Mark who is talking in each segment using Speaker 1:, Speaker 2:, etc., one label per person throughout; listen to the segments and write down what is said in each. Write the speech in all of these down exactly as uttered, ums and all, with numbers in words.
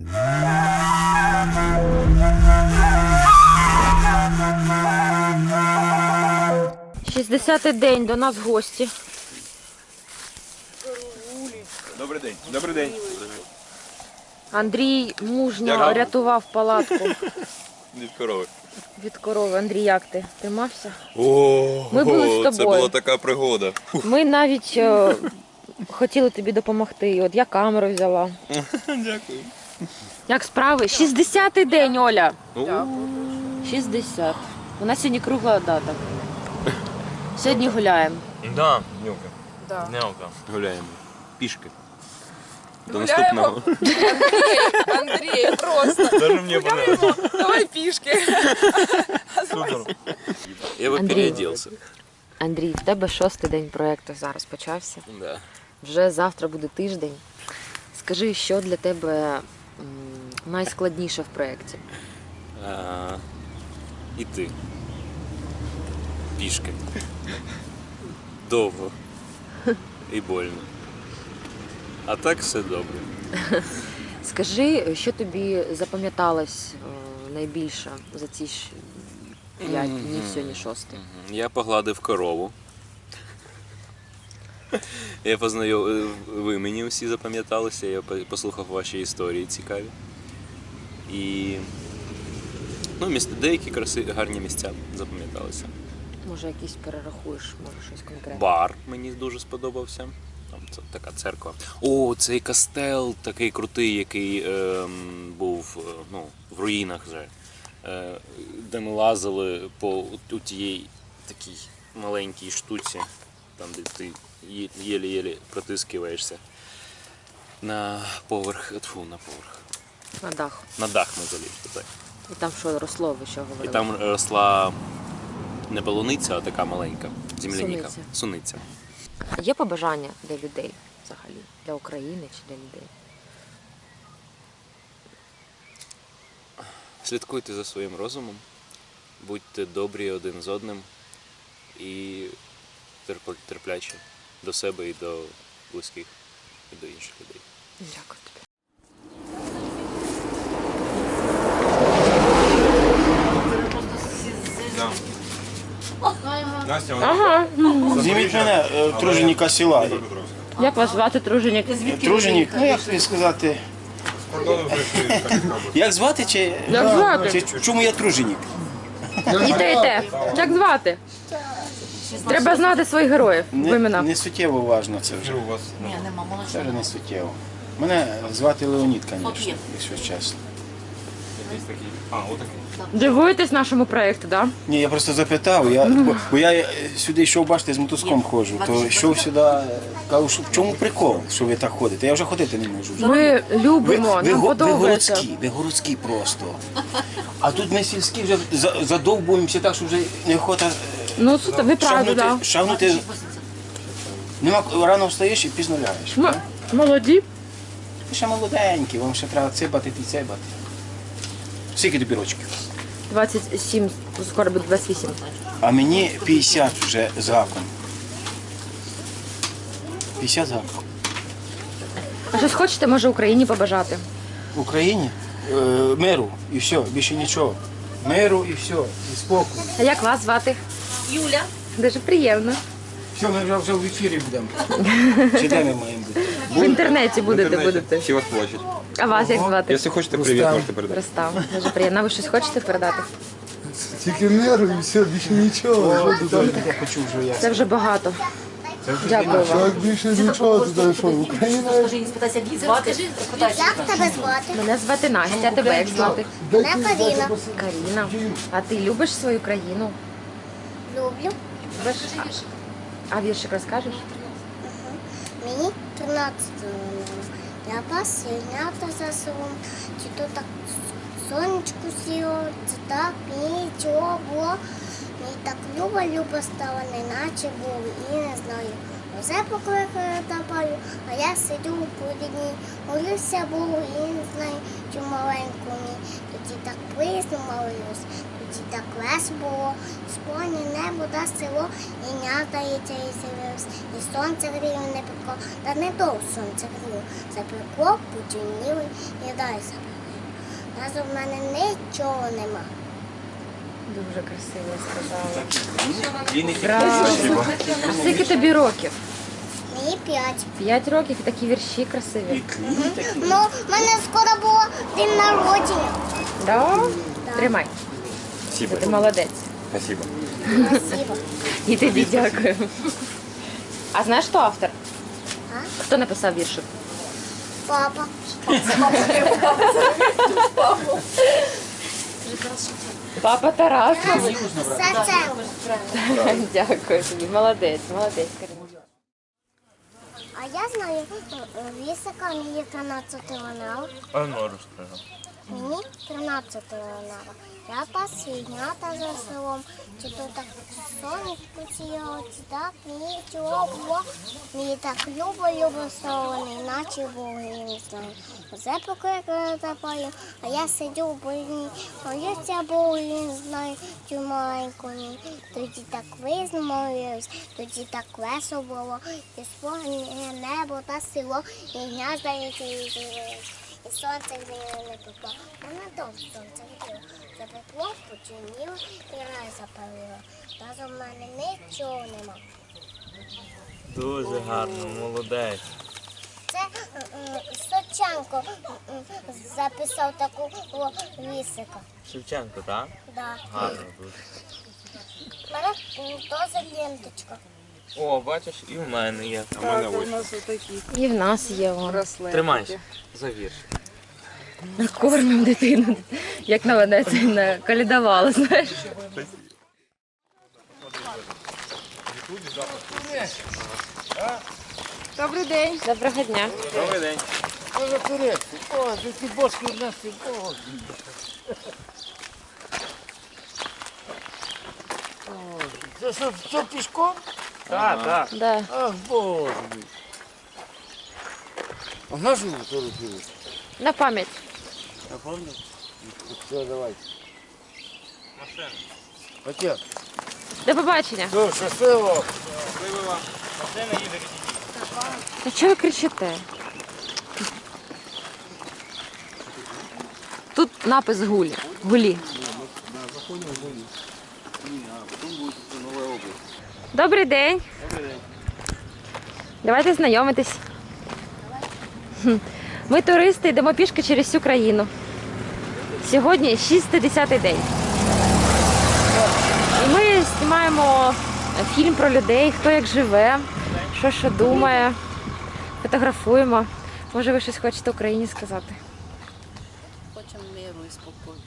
Speaker 1: шістдесятий день, до нас гості.
Speaker 2: Добрий день. Добрий день.
Speaker 1: Андрій мужньо
Speaker 2: Дякую.
Speaker 1: рятував палатку
Speaker 2: Від корови.
Speaker 1: від корови. Андрій, як ти? Тримався?
Speaker 2: О,
Speaker 1: Ми були з тобою.
Speaker 2: Це була така пригода.
Speaker 1: Ми навіть е, хотіли тобі допомогти. От я камеру взяла.
Speaker 2: Дякую.
Speaker 1: Як справи? шістдесятий день, Оля.
Speaker 2: Дякую.
Speaker 1: шістдесят. У нас сьогодні кругла дата. Сьогодні гуляємо.
Speaker 2: Да, Нюка.
Speaker 3: Да.
Speaker 2: Нюка. Гуляємо. Пішки. До
Speaker 3: Гуляємо.
Speaker 2: наступного.
Speaker 3: Андрей, Андрей, просто.
Speaker 2: Даже мені понравилось.
Speaker 3: Давай пішки.
Speaker 2: Супер. Я би
Speaker 1: Андрій.
Speaker 2: переоделся.
Speaker 1: Андрій, в тебе шостий день проєкту зараз почався.
Speaker 2: Да.
Speaker 1: Вже завтра буде тиждень. Скажи, що для тебе м, найскладніше в проєкті?
Speaker 2: А, іти. Пішки. Довго. І больно. А так все добре.
Speaker 1: Скажи, що тобі запам'яталось е, найбільше за ці ж п'ять днів, сьогодні шостий?
Speaker 2: Я погладив корову. Я познайом... Ви мені всі запам'яталися, я послухав ваші історії цікаві. І ну, місця, деякі краси... гарні місця запам'яталися.
Speaker 1: Може, якісь перерахуєш, може щось конкретне?
Speaker 2: Бар мені дуже сподобався. Там це така церква. О, цей кастел такий крутий, який ем, був е, ну, в руїнах вже. Е, де ми лазили по у тієї такій маленькій штуці, там де ти є- єлі-єлі протискиваєшся на поверх, тьфу, на поверх.
Speaker 1: На дах.
Speaker 2: На дах ми залізли, так.
Speaker 1: І там що росло, ви що
Speaker 2: І
Speaker 1: говорили?
Speaker 2: там росла не полуниця, а така маленька земляніка.
Speaker 1: Суниця.
Speaker 2: Суниця.
Speaker 1: Є побажання для людей взагалі? Для України чи для людей?
Speaker 2: Слідкуйте за своїм розумом, будьте добрі один з одним і терп- терплячі до себе і до близьких, і до інших людей.
Speaker 1: Дякую тобі. Ага.
Speaker 4: Зніміть мене, е, труженіка села.
Speaker 1: Як вас звати, труженик?
Speaker 4: Труженік, ну як тобі сказати. Як звати чи,
Speaker 1: Як звати?
Speaker 4: чи чому я труженік?
Speaker 1: І те, і те. Як звати? Треба знати своїх героїв в
Speaker 4: Не,
Speaker 1: імена.
Speaker 4: не суттєво важно це вже. Це вже не суттєво. Мене звати Леонід, звісно, якщо чесно.
Speaker 1: Дивуєтесь нашому проєкту, так? Да?
Speaker 4: Ні, я просто запитав, я, бо, бо я е, сюди йшов, бачите, з мотузком ходжу, то йшов сюди, е, кажу, що в чому прикол, що ви так ходите? Я вже ходити не можу. Вже.
Speaker 1: Ми
Speaker 4: Ви,
Speaker 1: любимо,
Speaker 4: ви,
Speaker 1: нам
Speaker 4: го- ви
Speaker 1: подобається.
Speaker 4: городські, ви городські просто. А тут ми сільські вже за- задовбуємося так, що вже неохота е,
Speaker 1: Ну, суто, ви праві,
Speaker 4: шагнути,
Speaker 1: так.
Speaker 4: шагнути. Нема, рано встаєш і пізно лягаєш.
Speaker 1: Ми молоді.
Speaker 4: Ви ще молоденькі, вам ще треба цибати і цибати. Скільки тобі рочків?
Speaker 1: двадцять сім, скоро буде двадцять вісім.
Speaker 4: А мені п'ятдесят вже з гаком. п'ятдесят з гаком.
Speaker 1: А щось хочете, може, Україні побажати?
Speaker 4: В Україні е, миру і все, більше нічого. Миру і все, і спокою.
Speaker 1: А як вас звати? Юля. Дуже приємно.
Speaker 4: Все, ми вже, вже в ефірі будемо. Чи де ми маємо бути?
Speaker 1: В інтернеті будете, будете.
Speaker 2: Всі вас плачуть.
Speaker 1: А вас як звати?
Speaker 2: Якщо хочете привіт, можете передати.
Speaker 1: Ростав. Дуже приємно. А ви щось хочете передати?
Speaker 5: Тільки миру і все, більше нічого.
Speaker 4: Я хочу вже я.
Speaker 1: Це вже багато. Дякую вам.
Speaker 5: Так більше нічого туди, що Україна.
Speaker 6: Як тебе звати?
Speaker 1: Мене звати Настя, а тебе як звати?
Speaker 6: Мене Каріна.
Speaker 1: Каріна. А ти любиш свою країну?
Speaker 6: Люблю.
Speaker 1: Любиш? А, а віршик розкажеш?
Speaker 6: Мені тринадцять років. Я пас ягнята за селом. Чи то так сонечко сіло, чи так нічого було. Мені так люба-люба стала, неначе було. І не знаю. Оце покликає та палю, а я сидю у поліні. Молюся Богу і не знаю, чи маленьку мені. Тоді так присно молюсь, тоді так весело було. Сповні небо да село, і нята яйця і з'явилось. І сонце гріло не пекло, та не довго сонце гріло. Запекло, потемніло і далі запекло. Разом в мене нічого нема.
Speaker 1: Дуже красиво сказала.
Speaker 4: Він і
Speaker 1: Браво. А скільки тобі років?
Speaker 6: Мені п'ять.
Speaker 1: П'ять років і такі вірші красиві.
Speaker 6: Ну, в мене скоро було день народження.
Speaker 1: Да?
Speaker 6: Да.
Speaker 1: Тримай.
Speaker 4: Спасибо.
Speaker 1: Ти молодець.
Speaker 4: Спасибо.
Speaker 6: Спасибо.
Speaker 1: І тобі дякую. А знаєш, хто автор?
Speaker 6: А?
Speaker 1: Хто написав віршик?
Speaker 6: Папа.
Speaker 1: Папа Тарас.
Speaker 6: Серце.
Speaker 1: Дякую тобі. Молодець, молодець. Карина.
Speaker 6: А я знаю вісика, мені тринадцять канал.
Speaker 2: А ну розкажи.
Speaker 6: Мені тринадцять канал. Я пас ягнята за селом. Чи то так сонечко сіяло, чи так мені чого було. Мені так любо, любо село, іначе Бога я не знаю. Оце покликали запаю, а я сидю в больні. Моюся Богу, я не знаю, цю маленьку ні. Тоді так висно молилась, тоді так весело було. І спогне небо та село, і гнязда і з'явились. І сонце гріло не пекло. Мене довго сонце гріло. Запекло, починіло і рай запалило. Разом в мене нічого нема.
Speaker 2: Дуже гарно, молодець.
Speaker 6: Це е, е, Соченко е, е, записав таку о, вісика.
Speaker 2: Шевченко, так?
Speaker 6: Да.
Speaker 2: Гарно дуже.
Speaker 6: У мене м, теж ленточка.
Speaker 2: О, бачиш, і в мене є. А в мене ось.
Speaker 1: І в нас є вон.
Speaker 2: Тримайся за вірш.
Speaker 1: Накормимо дитину, як на мене це не колядувала, знаєш.
Speaker 3: Добрий день.
Speaker 1: Доброго дня.
Speaker 2: Добрий день.
Speaker 5: Може турецький. О, такі бошки в нас і Боже. Це що, що пішком?
Speaker 2: Так, так.
Speaker 1: Да.
Speaker 5: Ах, Боже мій. А на що ви фотографуєте?
Speaker 1: На пам'ять.
Speaker 5: Я пам'ятаю. Все, давайте.
Speaker 2: Машина.
Speaker 5: Отець,
Speaker 1: До побачення.
Speaker 5: все, щасливо.
Speaker 2: Щасливо вам. Машина їде від
Speaker 1: Та чого ви кричите? Тут напис гулі. Гулі. Добрий день. Давайте знайомитись. Хм. Ми туристи, йдемо пішки через всю країну. Сьогодні шістдесятий день. І ми знімаємо фільм про людей, хто як живе, що що думає, фотографуємо. Може, ви щось хочете Україні сказати?
Speaker 7: Хочемо миру і спокою.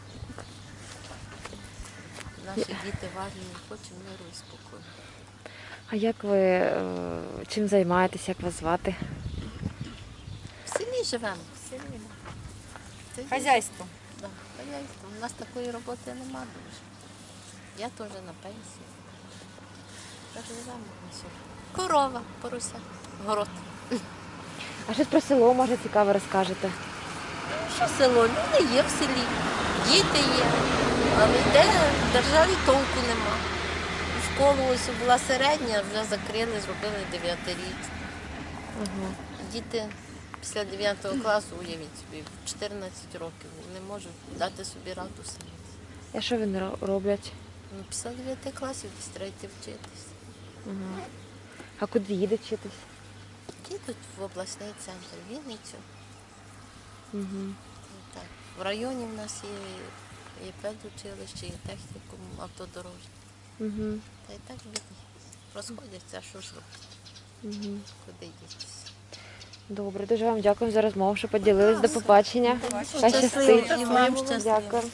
Speaker 7: Наші діти в армії, хочемо миру і спокою.
Speaker 1: А як ви е, чим займаєтесь, як вас звати?
Speaker 7: В селі живемо, в селі. Це є-
Speaker 3: Хазяйство.
Speaker 7: Да, хазяйство. У нас такої роботи нема дуже. Я теж на пенсії. Так живемо на селі. Корова, порося, город.
Speaker 1: А щось про село, може, цікаво розкажете?
Speaker 7: Що село? Люди є в селі, діти є, але йде в державі толку нема. Школу ось була середня, вже закрили, зробили дев'ятирічну.
Speaker 1: Ага.
Speaker 7: Діти після дев'ятого класу, уявіть собі, в чотирнадцять років не можуть дати собі раду самі.
Speaker 1: А що вони ро- роблять?
Speaker 7: Ну, після дев'яти класів десь треба йти вчитись.
Speaker 1: Ага. А куди їдуть вчитись?
Speaker 7: Їдуть в обласний центр, в Вінницю.
Speaker 1: Угу.
Speaker 7: І так. В районі в нас є, є педучилище, є технікум автодорожній.
Speaker 1: Угу.
Speaker 7: Та й так люди розходяться, а що ж робити,
Speaker 1: Угу.
Speaker 7: куди дітися.
Speaker 1: Добре, дуже вам дякую за розмову, що поділились. До побачення. Хай щастить.
Speaker 7: І вам щасливо.
Speaker 1: Дякую.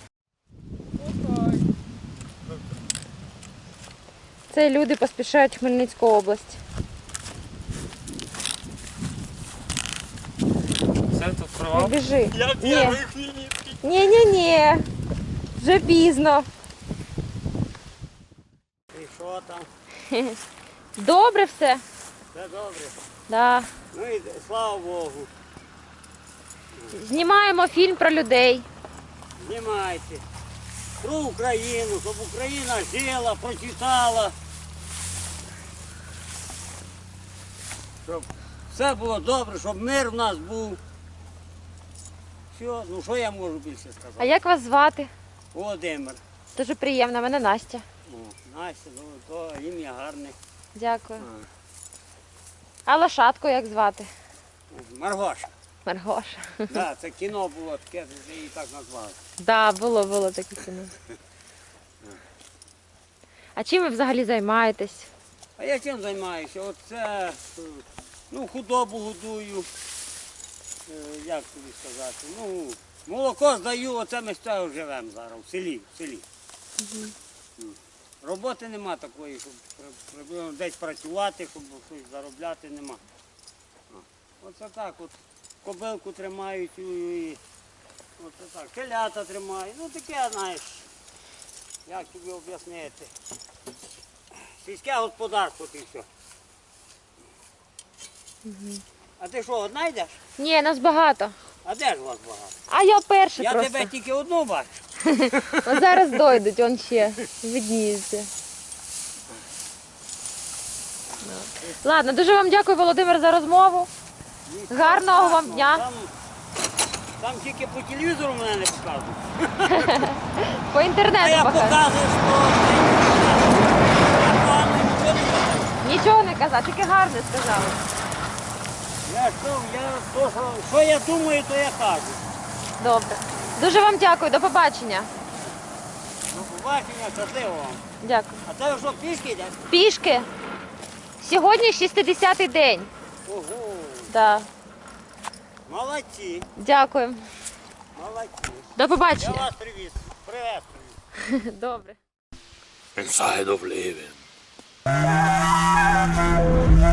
Speaker 1: Це люди поспішають в Хмельницьку область.
Speaker 2: Все тут
Speaker 1: Не
Speaker 2: провал.
Speaker 1: біжи. Ні. Ні, ні, ні. Вже пізно.
Speaker 8: І що там?
Speaker 1: Добре все?
Speaker 8: Все добре.
Speaker 1: Да.
Speaker 8: Ну і слава Богу.
Speaker 1: Знімаємо фільм про людей.
Speaker 8: Знімайте. Про Україну, щоб Україна жила, процвітала. Щоб все було добре, щоб мир в нас був. Все, ну що я можу більше сказати?
Speaker 1: А як вас звати?
Speaker 8: Володимир.
Speaker 1: Дуже приємно, мене Настя.
Speaker 8: О, Настя, ну то ім'я гарне.
Speaker 1: Дякую.
Speaker 8: А,
Speaker 1: А лошадку як звати?
Speaker 8: Маргоша.
Speaker 1: Маргоша.
Speaker 8: Да, це кіно було таке, вже її так назвали.
Speaker 1: Да, було, було таке кіно. А чим ви взагалі займаєтесь?
Speaker 8: А я чим займаюся? Оце, е, ну, худобу годую. Е, Як тобі сказати? Ну, молоко здаю, оце ми з цього живемо зараз, в селі. В селі. М. Роботи нема такої, щоб при- приблизно десь працювати, щоб щось заробляти, нема. О, Оце так от. Кобилку тримають і, і оце так. Телята тримають. Ну таке, знаєш, як тобі об'яснити. Сільське господарство ти все. А ти що, одна йдеш?
Speaker 1: Ні, нас багато.
Speaker 8: А де ж вас багато?
Speaker 1: А я перша
Speaker 8: Я
Speaker 1: просто.
Speaker 8: тебе тільки одну бачу.
Speaker 1: Ось зараз дойдуть, он ще видніється. Ладно, дуже вам дякую, Володимир, за розмову. Гарного вам дня.
Speaker 8: Там, там тільки по телевізору мене не показують.
Speaker 1: По
Speaker 8: А
Speaker 1: інтернету
Speaker 8: я
Speaker 1: покажу.
Speaker 8: показую, що я погано нічого не кажу.
Speaker 1: Нічого не казав, тільки гарне сказали.
Speaker 8: Я що, я то, що, що я думаю, то я кажу.
Speaker 1: Добре. Дуже вам дякую, до побачення.
Speaker 8: До побачення, щасливо вам.
Speaker 1: Дякую.
Speaker 8: А це ви що, пішки йдеш?
Speaker 1: Пішки. Сьогодні шістдесятий день.
Speaker 8: Ого,
Speaker 1: Да.
Speaker 8: молодці,
Speaker 1: Дякую.
Speaker 8: молодці.
Speaker 1: До
Speaker 8: Я
Speaker 1: побачення.
Speaker 8: вас привіз, приветствую.
Speaker 1: Добре.
Speaker 2: Inside of living.